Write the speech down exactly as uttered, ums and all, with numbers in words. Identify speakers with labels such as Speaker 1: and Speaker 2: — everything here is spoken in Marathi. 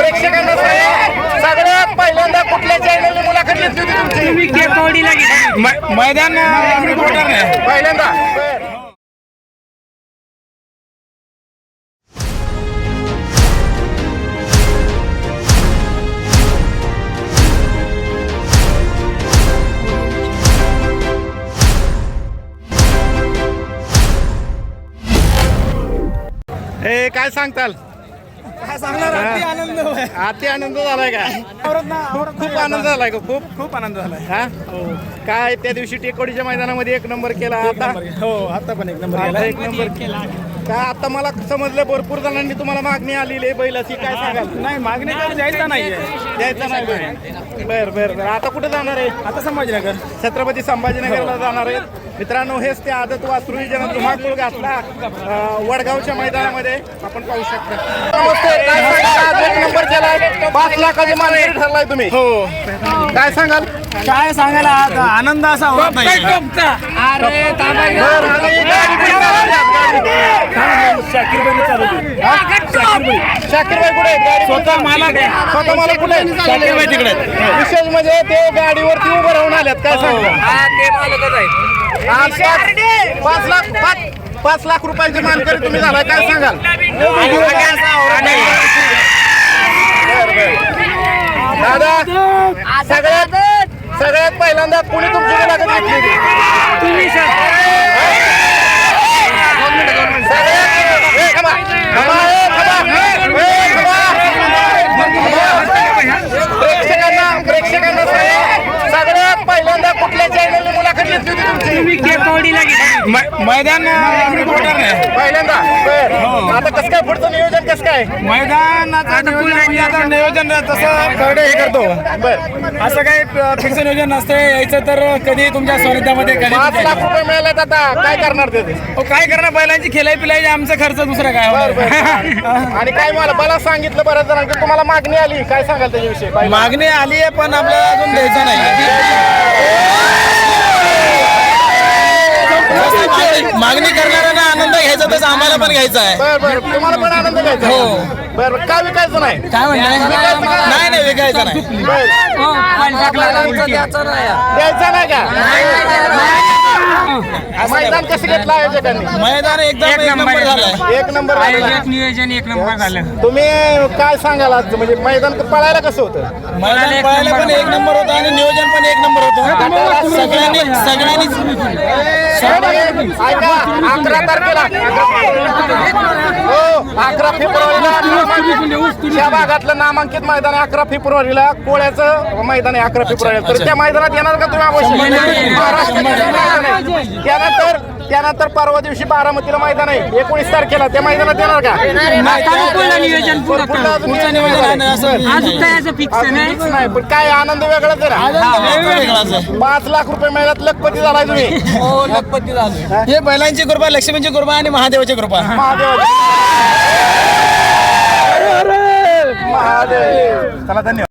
Speaker 1: प्रेक्षकांना सांगा, सगळ्यात पहिल्यांदा कुठल्या चॅनलने मुलाखत घेतली होती तुमची?
Speaker 2: तुम्ही केकवडीला घेतली
Speaker 3: मैदान
Speaker 1: पहिल्यांदा. ए काय सांगताल?
Speaker 3: काय सांगणार, अति आनंद होय.
Speaker 1: अति आनंद झालाय का? खूप आनंद झालाय का? खूप
Speaker 3: खूप आनंद झालाय.
Speaker 1: हा काय त्या दिवशी टेकोडीच्या मैदानामध्ये एक नंबर केला, आता
Speaker 3: हो आता पण एक नंबर
Speaker 1: आता
Speaker 3: केला.
Speaker 1: एक नंबर केला. काय आता मला समजलं भरपूर जणांनी तुम्हाला मागणी आलेली आहे बैलाची, काय सांगाल?
Speaker 3: नाही मागणी तर द्यायचा नाहीये.
Speaker 1: द्यायचा नाही बैल. बर बर बर आता कुठे जाणार आहे?
Speaker 3: आता संभाजीनगर
Speaker 1: छत्रपती संभाजीनगरला जाणार आहेत मित्रांनो. हेच ते आदत वासरू ज्यानं धुमाकूळ घातला अं, वडगावच्या मैदानामध्ये आपण पाहू शकता. नमस्ते, काय सांगाल? आज एक नंबर केलाय, पाच लाखाची मानकरी ठरलाय तुम्ही.
Speaker 3: हो
Speaker 1: काय सांगाल?
Speaker 3: काय सांगायला आता आनंद असा होत नाही.
Speaker 2: अरे
Speaker 1: बर, आणि गाडी कुठे चालवली आज? गाडी?
Speaker 3: शाकीर भाईने चालवली.
Speaker 1: हा? शाकीर भाई कुठे आहेत? गाडी
Speaker 3: स्वतः मालक आहे.
Speaker 1: स्वतः मला कुठे आहेत?
Speaker 3: शाकीर भाई तिकडे आहेत.
Speaker 1: विशेष म्हणजे ते गाडीवरती उभं राहून आल्यात, काय सांगता?
Speaker 2: ते मालकच आहे.
Speaker 1: आज पाच पाच लाख पाच पाच लाख रुपयांची मानकरी तुम्ही झालाय, काय सांगाल? बर, बर. दादा, सगळ्यात सगळ्यात पहिल्यांदा कुणी तुमची मुलाखत घेतली होती?
Speaker 2: तुम्ही सर
Speaker 1: सगळ्यात ए, थांबा. थांबा, ए, थांबा. ए, थांबा. प्रेक्षकांना प्रेक्षकांना सांगा, सगळ्यात पहिल्यांदा कुठल्या चॅनलने मुलाखत घेतली होती तुमची?
Speaker 2: तुम्ही केकवडीला घेतली
Speaker 3: मैदान
Speaker 1: पहिल्यांदा. बर, आता कसं काय पुढचं नियोजन कसं काय?
Speaker 3: मैदानाचं नियोजन म्हणजे आता नियोजन तसं कडे हे करतो.
Speaker 1: बर,
Speaker 3: असं काही फिक्स नियोजन नसते. यायचं तर कधी तुमच्या सानिध्यामध्ये कधी
Speaker 1: पाच लाख रुपये मिळालेत, आता काय करणार ते?
Speaker 3: हो, काय करणार बैलांची खिलाई पिलाई आमचा खर्च दुसरा काय
Speaker 1: बर, बर.
Speaker 3: होणार?
Speaker 1: आणि काय मला मला सांगितलं बऱ्याच जणांनी तुम्हाला मागणी आली, काय सांगाल त्याच्याविषयी? काय
Speaker 3: मागणी आली आहे पण आपल्याला अजून द्यायचं नाही. मागणी करणाऱ्यांना आनंद घ्यायचा तसं आम्हाला पण घ्यायचा आहे.
Speaker 1: बर बर, तुम्हाला पण आनंद घ्यायचा?
Speaker 3: हो.
Speaker 1: बर बर, काय विकायचं नाही?
Speaker 3: काय म्हणताय? नाही नाही विकायचं नाही.
Speaker 1: बर, द्यायचं नाही का? मैदान कसं घेतलं आयोजकांनी?
Speaker 3: मैदान एकदम एक नंबर झालाय.
Speaker 1: एक नंबर झालं.
Speaker 2: नियोजन एक नंबर झालं.
Speaker 1: तुम्ही काय सांगाल आज? म्हणजे मैदान पळायला कसं होतं?
Speaker 3: मैदान पळायला पण एक नंबर होतं आणि नियोजन पण एक नंबर होतं. सगळ्यांनी सगळ्यांनी
Speaker 1: ऐका, अकरा तारखेला हो अकरा फेब्रुवारीला त्या भागातलं नामांकित मैदान आहे. अकरा फेब्रुवारीला कोळ्याचं मैदान आहे. अकरा फेब्रुवारीला तर त्या मैदानात येणार का तुम्ही? अवश्य. महाराष्ट्राचं मैदान आहे. त्यानंतर त्यानंतर परवा दिवशी बारामतीला मैदान आहे एकोणीस तारखेला, त्या मैदानात येणार का?
Speaker 2: नियोजन
Speaker 1: पुढलं अजून
Speaker 3: पुढचं नियोजन आहे ना, असं
Speaker 2: अजून काय असं फिक्स
Speaker 1: अजून
Speaker 2: नाही.
Speaker 1: फिक्स नाही, पण काय आनंद वेगळाच आहे ना.
Speaker 3: आनंद वेगळाच आहे.
Speaker 1: पाच लाख रुपये मिळाल्यात, लखपती झालाय तुम्ही.
Speaker 3: हो लखपती झालो. हे बैलांची कृपा, लक्ष्मीची कृपा आणि महादेवाची कृपा.
Speaker 1: महादेव महादेव चला, धन्यवाद.